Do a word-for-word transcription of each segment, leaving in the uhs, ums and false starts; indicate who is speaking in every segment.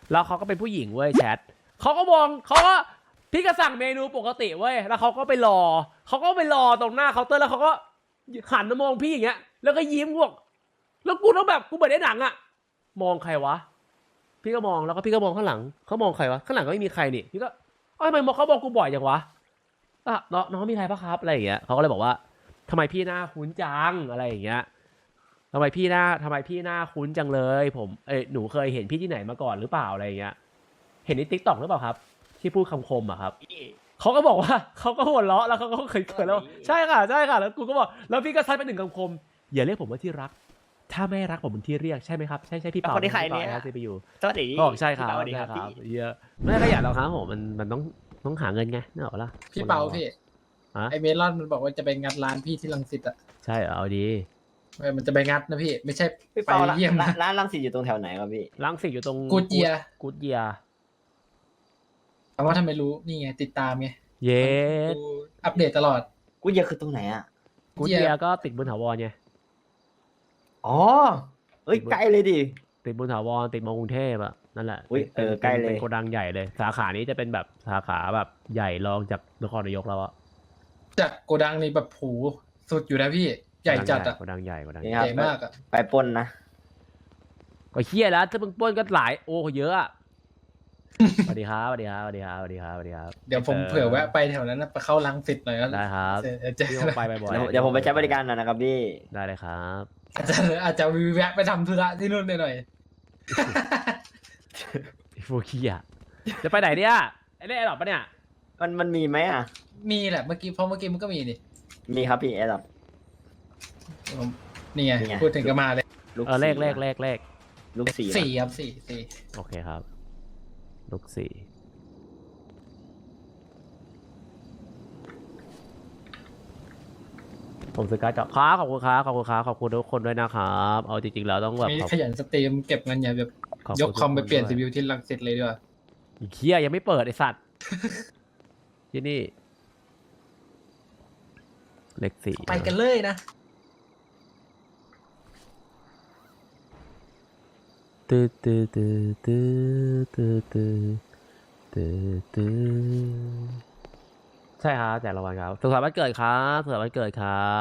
Speaker 1: แล้วเขาก็เป็นผู้หญิงเว้ยแชทเขาก็มองเขาก็พี่ก็สั่งเมนูปกติเว้ยแล้วเขาก็ไปรอเขาก็ไปรอตรงหน้าเคาน์เตอร์แล้วเขาก็หันมามองพี่อย่างเงี้ยแล้วก็ยิ้มพวกแล้วกูต้องแบบกูเหมือนในหนังอะมองใครวะพี่ก็มองแล้วก็พี่ก็มองข้างหลังเขามองใครวะข้างหลังก็ไม่มีใครนี่พี่ก็ทำไมมองเขามองกูบ่อยจังวะอ่ะน้องน้องมีใครปะครับอะไรอย่างเงี้ยเขาก็เลยบอกว่าทำไมพี่หน้าคุ้นจังอะไรอย่างเงี้ยทำไมพี่หน้าทำไมพี่หน้าคุ้นจังเลยผมเอ้ยหนูเคยเห็นพี่ที่ไหนมาก่อนหรือเปล่าอะไรอย่างเงี้ยเห็นในติ๊กต็อกหรือเปล่าครับที่พูดคำคมอะครับเขาก็บอกว่าเขาก็หัวเราะแล้วเขาก็เคยเคยแล้วใช่ค่ะใช่ค่ะแล้วกูก็บอกแล้วพี่ก็ซัดไปหนึ่งคำคมอย่าเรียกผมว่าที่รักถ้าไม่รักผมเป็นที่เรียกใช่ไหมครับใช่ใช่พี่เปา
Speaker 2: คนที่ใครเนี่ย
Speaker 1: ซีพียู
Speaker 2: สวัสดี
Speaker 1: ก็บอกใช่ครับ
Speaker 2: สวัสดีครับ
Speaker 1: ใช่
Speaker 2: พี่
Speaker 1: เยอะไม่ขยันหรอกครับผมมันมันต้องต้องหาเงินไงนึกออกปะล่ะ
Speaker 3: พี่เปาพี่
Speaker 1: ฮะ
Speaker 3: ไอเมลอนมันบอกว่าจะไปงัดร้านพี่ที่รังสิตอ่ะ
Speaker 1: ใช่เหรอเอาดี
Speaker 3: เออมันจะไปงัดนะพี่ไม่ใช่
Speaker 2: พี่
Speaker 3: ไป
Speaker 2: เปาร้าน
Speaker 3: เยี่ยมนะ
Speaker 2: ร้านรังสิตอยู่ตรงแถวไหนครับพี่
Speaker 1: ลังสิตอยู่ตรง
Speaker 3: กูดเยีย
Speaker 1: กูดเยีย
Speaker 3: แต่ว่าทำไมรู้นี่ไงติดตามไง
Speaker 1: เย้
Speaker 3: ดูอัปเดตตลอด
Speaker 2: กูเยอะคือตรงไหนอ่ะ
Speaker 1: กูดเยียก็ติดบนถาวรไง
Speaker 2: อ๋อเอ้ยใกล้เลยดิ
Speaker 1: ติดบนถาวรติดมอกรุงเทพอะนั่นแหละ
Speaker 2: อุ๊ยเออใกล้เลย
Speaker 1: เป็นโกดังใหญ่เลย สาขานี้จะเป็นแบบสาขาแบบใหญ่รองจากนครนายกแล้วอะ
Speaker 3: จากโกดังนี่แบบผูสุดอยู่นะพี่ใหญ่จัดอ่ะ
Speaker 1: โกดังใหญ่โกดัง
Speaker 2: นี่
Speaker 1: ให
Speaker 2: ค
Speaker 1: ญ่
Speaker 2: รับ
Speaker 3: ใหญ่มากอ่ะ
Speaker 2: ไปปล้นนะ
Speaker 1: ก็เฮี้ยแล้วถ้ามึงปล้นก็หลายโอ้เยอะอะสวัสดีครับสวัสดีครับสวัสดีครับสวัสดีครับสวัสดีครับ
Speaker 3: เดี๋ยวผมเผื่อแวะไปแถวนั้นนะไปเข้ารังสิตหน่อยก็
Speaker 1: ได้ครับ
Speaker 3: เออเจอ
Speaker 1: พี่ต้องไปบ่อย
Speaker 2: เดี๋ยว
Speaker 1: ๆ
Speaker 2: เดี๋ยวผมไปใช้บริการหน่อยนะครับพี่
Speaker 1: ได้เลยครับ
Speaker 3: อาจจะอาจจะแวะไปทำธุระที่นู่นหน่อย
Speaker 1: พวกขี้อะจะไปไหนเนี่ยไอ้นี่ไอ้หรอปะเนี่ย
Speaker 2: มันมันมีไหมอ่ะ
Speaker 3: ๆมีแหละเมื่อกี้เพราะเมื่อกี้มันก็มีนี่
Speaker 2: มีครับพี่แอร์ดับ
Speaker 3: ผมนี่ไง
Speaker 2: นี่ไง
Speaker 3: พูดถึงก็มาเลย
Speaker 2: ลูก
Speaker 1: เออเลขเลข
Speaker 2: สี่
Speaker 1: เลขเลข
Speaker 2: ลูกสี่
Speaker 3: สี่ครับสี่สี่
Speaker 1: โอเคครับลูกสี่ผมซื้อการ์ดจอครับขอบคุณครับขอบคุณครับขอบคุณทุกคนด้วยนะครับเอาจริงๆแล้วต้องแบบ
Speaker 3: มี
Speaker 1: ขอบ
Speaker 3: ขยันสตรีมเก็บเงินอย่าแบบ
Speaker 1: ขอบ
Speaker 3: ย
Speaker 1: คุ
Speaker 3: ก
Speaker 1: ณ
Speaker 3: คอมไป
Speaker 1: ทุก
Speaker 3: เปลี่ยน
Speaker 1: ด้
Speaker 3: ซี
Speaker 1: ว
Speaker 3: พียูที่รังสิตเลยดีกว่า
Speaker 1: อีกเคียยังไม่เปิดไอสัตว์ ที่นี่เลขสี่
Speaker 3: ไปกันเลยนะ
Speaker 1: ตื้อตื้อตื้อตื้อตื้อตื้อตื้อตื้อใช่ครับแจกรางวัลครับสุขสันต์วันเกิดครับสุขสันต์วันเกิดครับ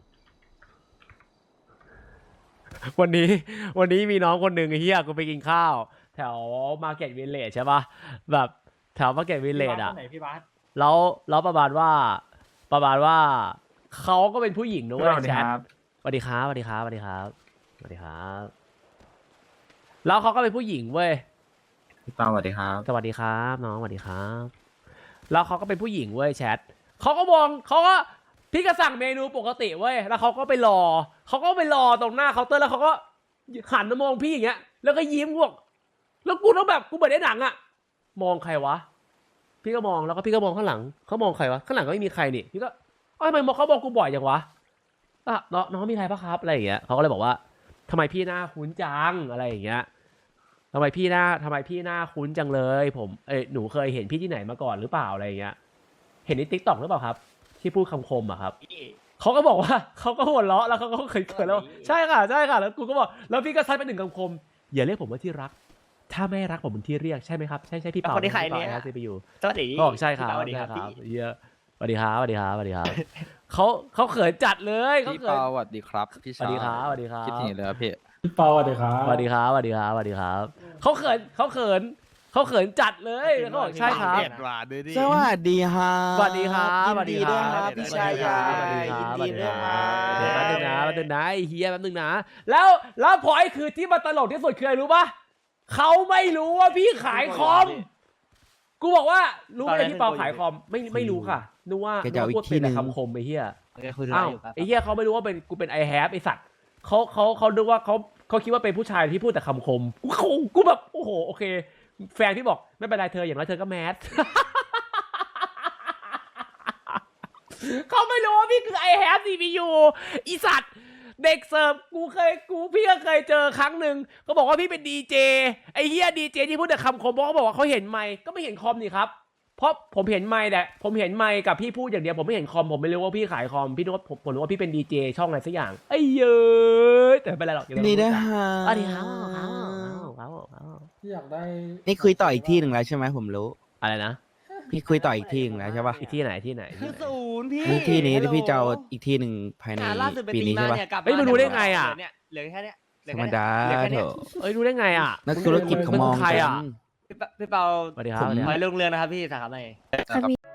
Speaker 1: วันนี้วันนี้มีน้องคนหนึ่งไอ้เฮียกูไปกินข้าว แถวมาร์เก็ตวิลเลจใช่ปะแบบแถวมาร์เก็ตวิลเลจอะแล้วแล้วประมาณว่า ประมาณว่าเขาก็เป็นผู้หญิงด้วยแชทสวัสดีครับสวัสดีครับสวัสดีครับสวัสดีครับแล้วเขาก็เป็นผู้หญิงเว้ย
Speaker 4: พี่เปาสวัสดีครับ
Speaker 1: สวัสดีครับน้องสวัสดีครับแล้วเขาก็เป็นผู้หญิงเว้ยแชทเขาก็มองเขาก็พี่ก็สั่งเมนูปกติเว้ยแล้วเขาก็ไปรอเขาก็ไปรอตรงหน้าเคาน์เตอร์แล้วเขาก็หันมามองพี่อย่างเงี้ยแล้วก็ยิ้มพวกแล้วกูต้องแบบกูเหมือนในหนังอะมองใครวะพี่ก็มองแล้วก็พี่ก็มองข้างหลังเขามองใครวะข้างหลังก็ไม่มีใครนี่พี่ก็ทำไมมองเขามองกูบ่อยจังวะอ่ะน้องน้องมีใครปะครับอะไรอย่างเงี้ยเขาก็เลยบอกว่าทำไมพี่หน้าคุ้นจังอะไรอย่างเงี้ยทำไมพี่หน้าทำไมพี่หน้าคุ้นจังเลยผมเอ้ยหนูเคยเห็นพี่ที่ไหนมาก่อนหรือเปล่าอะไรอย่างเงี้ยเห็นในติ๊กต็อกหรือเปล่าครับที่พูดคำคมอะครับเขาก็บอกว่าเขาก็หัวเราะแล้วเขาก็เคยเคยแล้วใช่ค่ะใช่ค่ะแล้วกูก็บอกแล้วพี่ก็ซัดไปหนึ่งคำคมอย่าเรียกผมว่าที่รักถ้าไม่รักผมเป็นที่เรียกใช่ไหมครับใช่ใช่พี่เปา
Speaker 2: คนที่ใครเนี่ย
Speaker 1: ซีพียู
Speaker 2: สวัสดี
Speaker 1: ก็บอกใช่ครับ
Speaker 2: สวัสดี
Speaker 1: ใช่
Speaker 2: ครับ
Speaker 1: ครับ
Speaker 2: พี่
Speaker 1: เยอะสวัสดีครับสวัสดีครับสวัสดีครับเขาเขาเขินจัดเลยเขา
Speaker 4: พี่
Speaker 1: เขิน
Speaker 4: เปาสวัสดีครับ พี่
Speaker 1: สวั
Speaker 4: ชา
Speaker 1: สดีครับสวัสดีครับ
Speaker 4: คิดถึงเลยครับพี่
Speaker 5: พี่เปาสวัสดีครับ
Speaker 1: สวัสดีครับสวัสดีครับสวัสดีครับเขาเขินเขาเขินเขาเขินจัดเลยเขาบอกใช่ครับ
Speaker 4: สวัสดีครับ
Speaker 1: สวัสดีครับสวัสดีครับ
Speaker 2: ยินดีด้วยครับพี่ชายใหญ่
Speaker 1: สวัสดีครับ
Speaker 2: ยินดีด้วยครับ
Speaker 1: เดี๋ยวแป๊บนึงนะแป๊บนึงนะไอ้เฮียแป๊บนึงนะแล้วแล้วพอยคือที่มันตลกที่สุดคืออะไรรู้ปะเขาไม่รู้ว่าพี่ขายคอมกูบอกว่ารู้ไหมพี่เปาขายคอมไม่ไม่รู้ค่ะนึกว่านึกว่าพูดเป็นแต่คำคมไอ้เฮีย อ้าวไอ้เหี้ยเขาไม่รู้ว่าเป็นกูเป็นไอแฮปไอสัตว์เขาเขาเขาดูว่าเขาเขาคิดว่าเป็นผู้ชายที่พูดแต่คำคมกูเขากูแบบโอ้โหโอเคแฟนพี่บอกไม่เป็นไรเธออย่างน้อยเธอก็แมส เขาไม่รู้ว่าพี่คือไอแฮปซีพียูอีสัตว์เด็กเสิร์ฟกูเคยกูพี่ก็เคยเจอครั้งหนึ่งเขาบอกว่าพี่เป็นดีเจไอเหี้ยดีเจที่พูดแต่คำคมเพราะเขาบอกว่าเขาเห็นไมค์ก็ไม่เห็นคอมนี่ครับเพราะผมเห็นไมค์แต่ผมเห็นไมค์กับพี่พูดอย่างเดียวผมไม่เห็นคอมผมไม่รู้ว่าพี่ขายคอมพี่นึกว่าผมผมนึกว่าพี่เป็นดีเจช่องอะไรสักอย่างไอ้เย้ยแต่ไม่เป็นไรหรอก
Speaker 4: นี่ได้ฮะ
Speaker 1: สวัสดีครับครับครับครับ
Speaker 3: พี่อยากได้
Speaker 4: นี่คุยต่ออีกที่หนึ่งแล้วใช่ไหมผมรู้
Speaker 1: อะไรนะ
Speaker 4: พี่คุยต่ออีกที่หนึ่งแล้วใช่ปะ
Speaker 1: อีกที่ไหนที่ไหนที่ไหน
Speaker 5: ศูนย์พี่
Speaker 4: นี่ที่นี้ที่พี่จะเอาอีกที่หนึ่งภายใน
Speaker 5: อ่าล่าสุดไป
Speaker 4: ปี
Speaker 5: ตี
Speaker 4: นี้
Speaker 5: มา
Speaker 4: ใช่ปะ
Speaker 5: เนี่ยกลับ
Speaker 1: เฮ้ยมึงรู้ได้ไงอะ
Speaker 5: เหลืเนี่ยเหลือแค่เนี้ยเหลื
Speaker 4: ธ
Speaker 5: อ
Speaker 4: รรม
Speaker 5: แค่เนี้ย
Speaker 4: ดา
Speaker 5: เหลือแค่
Speaker 4: เถ
Speaker 5: เนี้ย
Speaker 4: อะ
Speaker 1: เอ้ยรู้ได้ไงอ่ะ
Speaker 4: นักธุรกิจเขามอง
Speaker 1: เป็นใคร
Speaker 4: กั
Speaker 1: อะ
Speaker 4: น
Speaker 5: พี่เปาพี่เปา
Speaker 1: สวัสดีครับ
Speaker 5: ขอให้รุ่งเรืองนะครับพี่สาขาใหม่
Speaker 1: ครับ